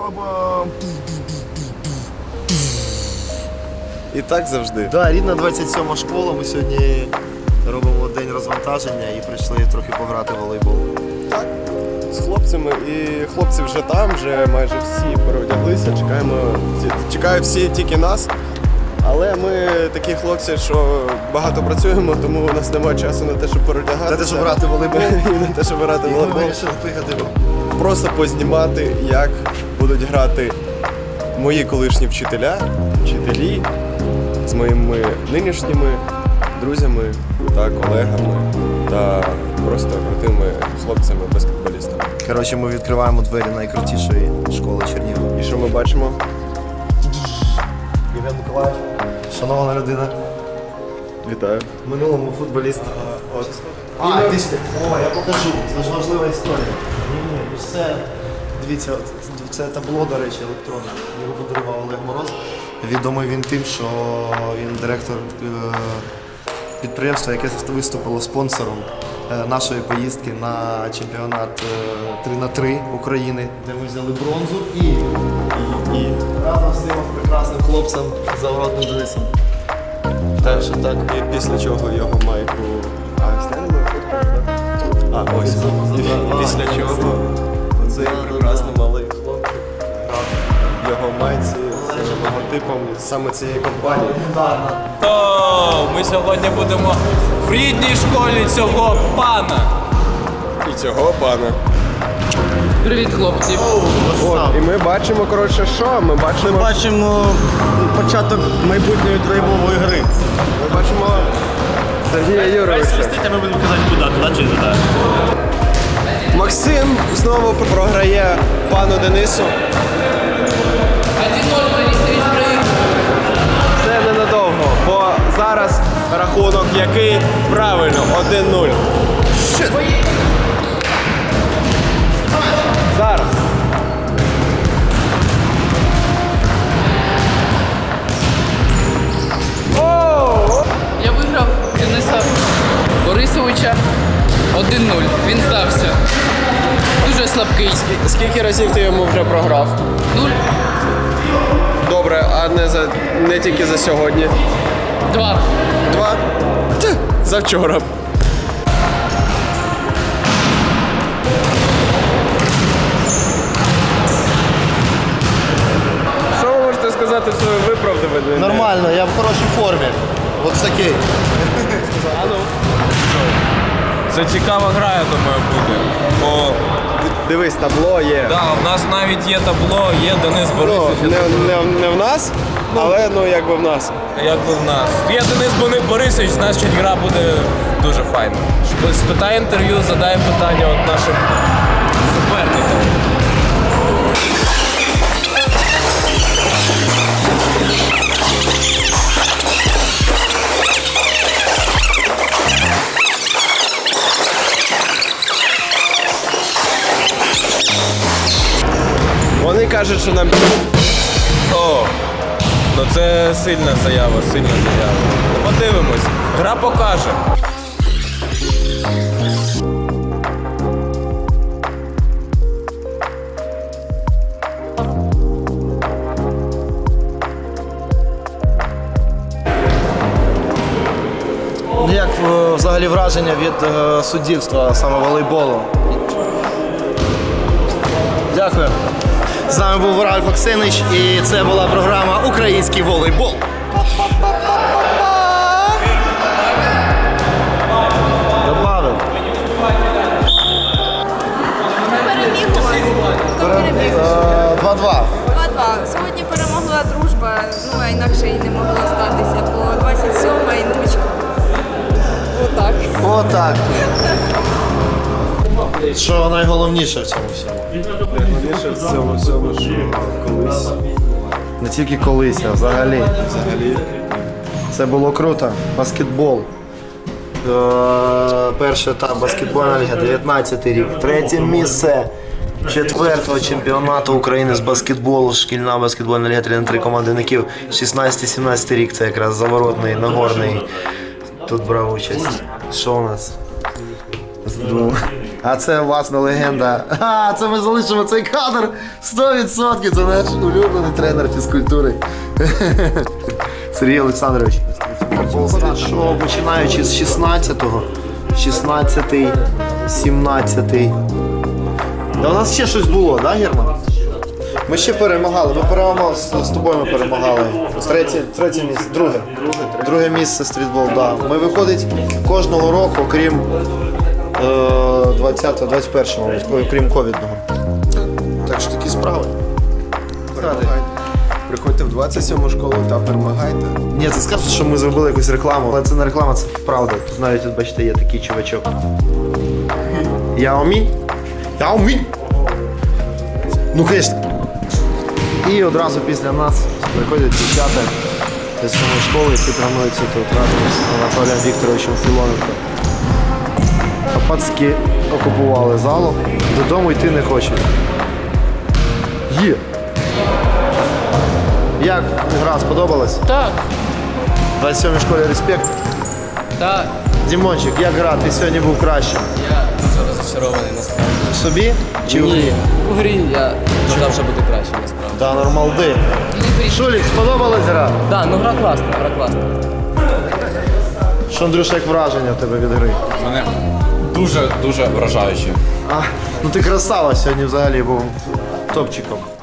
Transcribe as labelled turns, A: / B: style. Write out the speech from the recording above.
A: Баба!
B: І так завжди.
A: Да, рідна 27 школа. Ми сьогодні робимо день розвантаження і прийшли трохи пограти в волейбол.
B: Так, з хлопцями. І хлопці вже там, вже майже всі переодяглися. Чекають всі тільки нас. Але ми такі хлопці, що багато працюємо, тому у нас немає часу на те, щоб переодягатися.
A: На те, щоб грати в волейбол.
B: І на те, щоб грати в
A: Ми
B: волейбол.
A: вирішили приїхати.
B: Просто познімати, як будуть грати мої колишні вчителі з моїми нинішніми друзями та колегами та просто крутими хлопцями-баскетболістами.
A: Коротше, ми відкриваємо двері найкрутішої школи Чернігова.
B: І що ми бачимо?
A: Євген Миколаївич, шановна людина,
B: Вітаю.
A: в минулому футболіст. О, я покажу, це ж важлива історія. Ні, це, дивіться, це табло, до речі, електронне. Його подарував Олег Мороз. Відомий він тим, що він директор підприємства, яке виступило спонсором нашої поїздки на чемпіонат 3х3 України, де ми взяли бронзу і разом з цим прекрасним хлопцем Завгородним Денисом. Так що так.
B: І після чого його майку... Снянемо фотку? Ось. І після чого цей прекрасний малий хлопчик його майці з логотипом саме цієї компанії.
C: То ми сьогодні будемо в рідній школі цього пана.
B: І цього пана.
D: Привіт, хлопці.
B: І ми бачимо, коротше, що? Ми бачимо
A: початок майбутньої трейбової гри.
B: Ми бачимо Сергія Юровича.
E: Ми будемо казати, туди чи туди.
B: Максим знову програє пану Денису.
D: 1-0 Борисович проїхав.
B: Це ненадовго, бо зараз рахунок який правильно 1-0. Зараз.
D: Я виграв Дениса Борисовича 1-0. Він здався. Дуже слабкий.
B: Скільки разів ти йому вже програв?
D: 0,
B: Добре, а не тільки за сьогодні.
D: 2.
B: 2? Завчора. Що ви можете сказати в своє виправдання?
A: Нормально, я в хорошій формі. От такий.
C: Це цікава гра, я думаю, буде. Бо
B: Дивись, табло є.
C: да, у нас навіть є табло, є Денис
B: Ну,
C: Борисович.
B: не в нас, але якби в нас.
C: Якби в нас. Є Денис Борисович, значить гра буде дуже файна. Спитай інтерв'ю, задай питання от нашим суперникам.
B: Вони кажуть, що нам...
C: О, ну це сильна заява. Ну, подивимось. Гра покаже.
A: Як взагалі враження від суддівства саме волейболу? Дякую. З нами був Ральф Оксинич і це була програма «Український волейбол». Добавив.
F: Переміг у вас? Хто переміг?
A: 2-2.
F: 2-2. Сьогодні перемогла дружба, ну а інакше і не могло статися, бо 27-ма і нучка. Отак.
A: Отак. Що найголовніше в цьому всьому?
B: Найголовніше в цьому всьому, що колись
A: Не тільки колись, а взагалі. Це було круто. Баскетбол. Перший етап баскетбольна ліга, 19 рік. Третє місце 4-го чемпіонату України з баскетболу. Шкільна баскетбольна ліга 3х3 командників. 16-17 рік. Це якраз Заворотний, Нагорний. Тут брав участь. Що у нас? А це власна легенда. А, це ми залишимо цей кадр 100%. Це наш улюблений тренер фізкультури. Сергій Олександрович. Що починаючи з 16-го, 16-й, 17-й. Та у нас ще щось було, да, Герман? Ми ще перемагали. Ми перемагали з тобою. Ми перемагали. Третє місце, друге місце стрітбол. Да. Ми виходить кожного року, окрім 21-го, окрім ковідного. Так що такі справи.
B: Приходьте в 27-му школу та перемагайте.
A: Ні, це скажуть, що ми зробили якусь рекламу, але це не реклама, це правда. Тут навіть, тут, бачите, є такий чувачок. Яомінь? Яомінь! Ну, звісно. І одразу після нас приходять дівчата з самої школи, які тренуються тут разом з Анатолієм Вікторовичем Філоненко. А пацки окупували залу, додому йти не хочуть. Є! Як гра сподобалась?
D: Так,
A: В 27-й школі респект.
D: так.
A: Дімончик, як гра? Ти сьогодні був краще.
C: Я дуже розчарований насправді.
A: В собі чи в грі?
C: У грі я вважав, що буде краще насправді.
A: Та нормалди. Шулік, сподобалась гра?
C: Так, ну гра класна, гра класна.
A: Що, Андрюша, як враження в тебе від гри?
G: Мене дуже вражаюче.
A: А, ну ти красава сьогодні взагалі був топчиком.